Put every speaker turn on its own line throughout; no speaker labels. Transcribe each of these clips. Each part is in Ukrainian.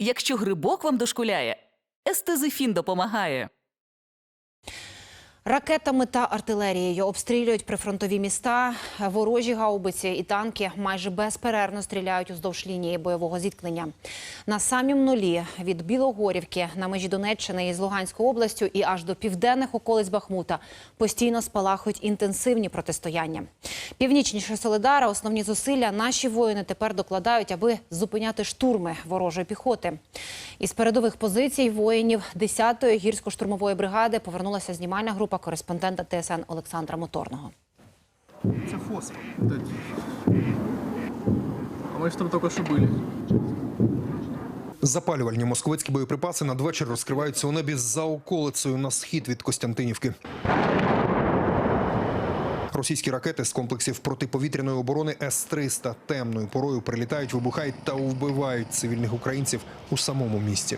Якщо грибок вам дошкуляє, естезифін допомагає.
Ракетами та артилерією обстрілюють прифронтові міста. Ворожі гаубиці і танки майже безперервно стріляють уздовж лінії бойового зіткнення. На самім нулі від Білогорівки на межі Донеччини із Луганською областю і аж до південних околиць Бахмута постійно спалахують інтенсивні протистояння. Північніше Солидара основні зусилля наші воїни тепер докладають, аби зупиняти штурми ворожої піхоти. Із передових позицій воїнів 10-ї гірсько-штурмової бригади повернулася знімальна група кореспондента ТСН Олександра Моторного.
Це фосфор. А ми ж там тільки що були.
Запалювальні московицькі боєприпаси надвечір розкриваються у небі за околицею на схід від Костянтинівки. Російські ракети з комплексів протиповітряної оборони С-300 темною порою прилітають, вибухають та вбивають цивільних українців у самому місті.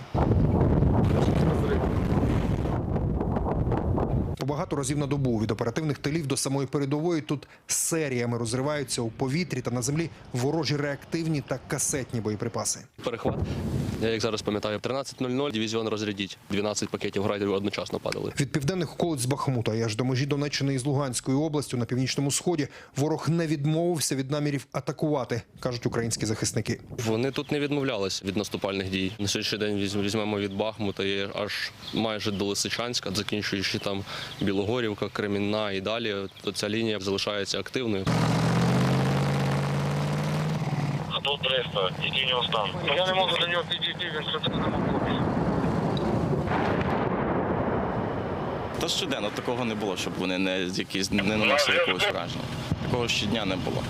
Багато разів на добу від оперативних тилів до самої передової тут серіями розриваються у повітрі та на землі ворожі реактивні та касетні боєприпаси.
Перехват, я як зараз пам'ятаю, 13:00 дивізіон розрядіть. 12 пакетів градів одночасно падали.
Від південних околиць Бахмута і аж до межі Донеччини із Луганською областю на північному сході ворог не відмовився від намірів атакувати, кажуть українські захисники.
Вони тут не відмовлялись від наступальних дій. На сьогоднішній день візьмемо від Бахмута і аж майже до Лисичанська, закінчуючи там Білогорівка, Кремінна і далі, ця лінія залишається активною.
А тут 300, який у нього стан? Я не можу до нього підійти, він сюди не може.
Та щоденно такого не було, щоб вони не наносили якогось враження. Такого щодня не було.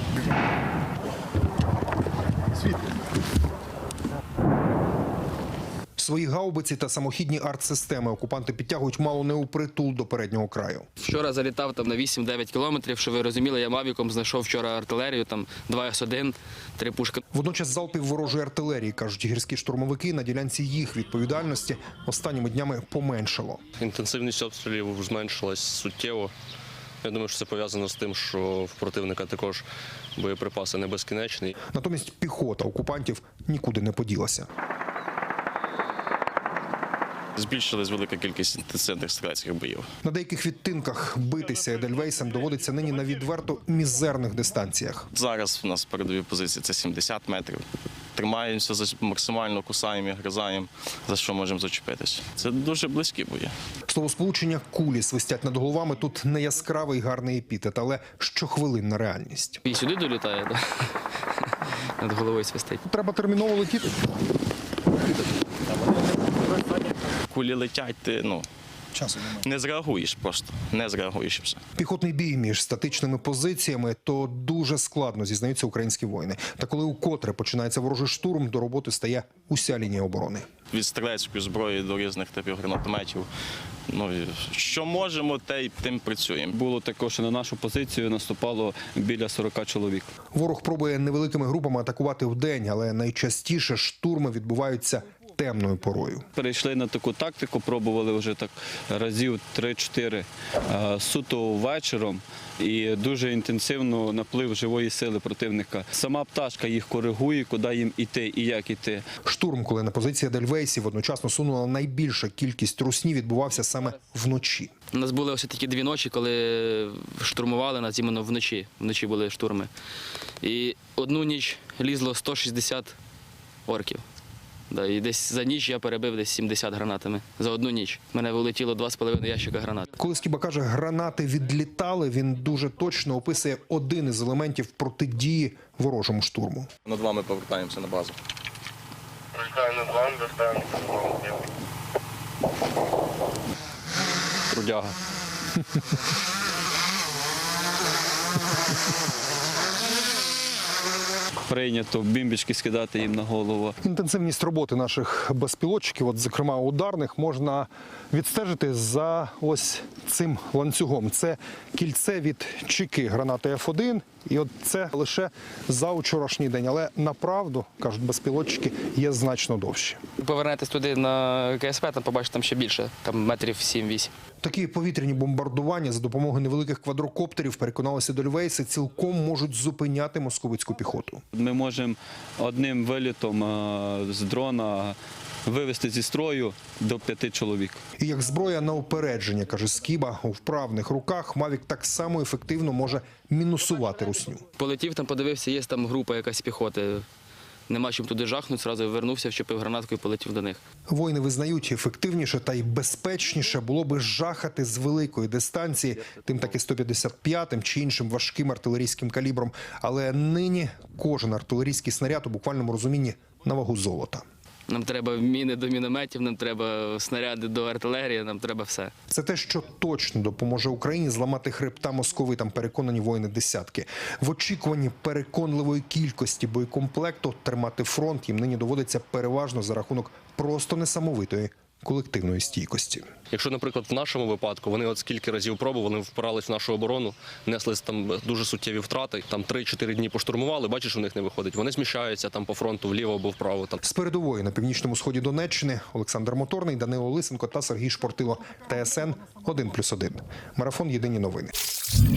Свої гаубиці та самохідні артсистеми окупанти підтягують мало не у притул до переднього краю.
Вчора залітав там на 8-9 кілометрів, що ви розуміли, я мавіком знайшов вчора артилерію, там 2 С-1, 3 пушки.
Водночас залпів ворожої артилерії, кажуть гірські штурмовики, на ділянці їх відповідальності останніми днями поменшало.
Інтенсивність обстрілів зменшилась суттєво. Я думаю, що це пов'язано з тим, що в противника також боєприпаси не безкінечні.
Натомість піхота окупантів нікуди не поділася.
Збільшилась велика кількість інтенсивних стрілецьких боїв.
На деяких відтинках битися Едельвейсом доводиться нині на відверто мізерних дистанціях.
Зараз у нас передові позиції – це 70 метрів. Тримаємося, максимально кусаємо і гризаємо, за що можемо зачепитися. Це дуже близькі бої.
Словосполучення «кулі свистять над головами» тут не яскравий гарний епітет, але щохвилинна реальність.
І сюди долітає, да? Над головою свистить.
Треба терміново летіти.
Кулі летять, ти не зреагуєш просто, не зреагуєш і все.
Піхотний бій між статичними позиціями – то дуже складно, зізнаються українські воїни. Та коли укотре починається ворожий штурм, до роботи стає уся лінія оборони.
Від стрілецької зброї до різних типів гранатометів. Що можемо, тим працюємо.
Було також, що на нашу позицію наступало біля 40 чоловік.
Ворог пробує невеликими групами атакувати вдень, але найчастіше штурми відбуваються темною порою.
Перейшли на таку тактику, пробували вже так разів 3-4 суто вечором і дуже інтенсивно наплив живої сили противника. Сама пташка їх коригує, куди їм іти і як іти.
Штурм, коли на позиції Едельвейсів одночасно сунула найбільша кількість русні, відбувався саме вночі.
У нас були ось такі 2 ночі, коли штурмували нас іменно вночі. Вночі були штурми. І одну ніч лізло 160 орків. Да, і десь за ніч я перебив десь 70 гранатами. За одну ніч. В мене вилетіло 2,5 ящика гранат.
Коли Скіба каже, гранати відлітали, він дуже точно описує один із елементів протидії ворожому штурму.
Над вами повертаємося на базу.
Прилітаємо над вами, доставимо.
Трудяга. Прийнято бімбічки скидати їм на голову.
Інтенсивність роботи наших безпілотчиків, от, зокрема ударних, можна відстежити за ось цим ланцюгом. Це кільце від чеки гранати F1 І от це лише за вчорашній день. Але направду, кажуть безпілотчики, є значно довші.
Повернетесь туди на КСП, там побачите, там ще більше, там метрів 7-8.
Такі повітряні бомбардування за допомогою невеликих квадрокоптерів, переконалися дольвейси, цілком можуть зупиняти московицьку піхоту.
Ми можемо одним вилітом з дрона вивести зі строю до 5 чоловік.
І як зброя на упередження, каже Скіба, у вправних руках Мавік так само ефективно може мінусувати русню.
Полетів там, подивився, є там група якась піхоти. Нема чим туди жахнути, одразу вернувся, вчепив гранатку і полетів до них.
Воїни визнають, ефективніше та й безпечніше було би жахати з великої дистанції, тим таки 155-м чи іншим важким артилерійським калібром. Але нині кожен артилерійський снаряд у буквальному розумінні на вагу золота.
Нам треба міни до мінометів, нам треба снаряди до артилерії, нам треба все.
Це те, що точно допоможе Україні зламати хребта московитам, переконані воїни десятки. В очікуванні переконливої кількості боєкомплекту тримати фронт їм нині доводиться переважно за рахунок просто несамовитої колективної стійкості.
Якщо, наприклад, в нашому випадку вони от скільки разів пробували, впирались в нашу оборону, несли там дуже суттєві втрати, там 3-4 дні поштурмували, бачиш, у них не виходить. Вони зміщаються там по фронту вліво або вправо. Там.
З передової на північному сході Донеччини Олександр Моторний, Данило Лисенко та Сергій Шпортило. ТСН 1+1. Марафон «Єдині новини».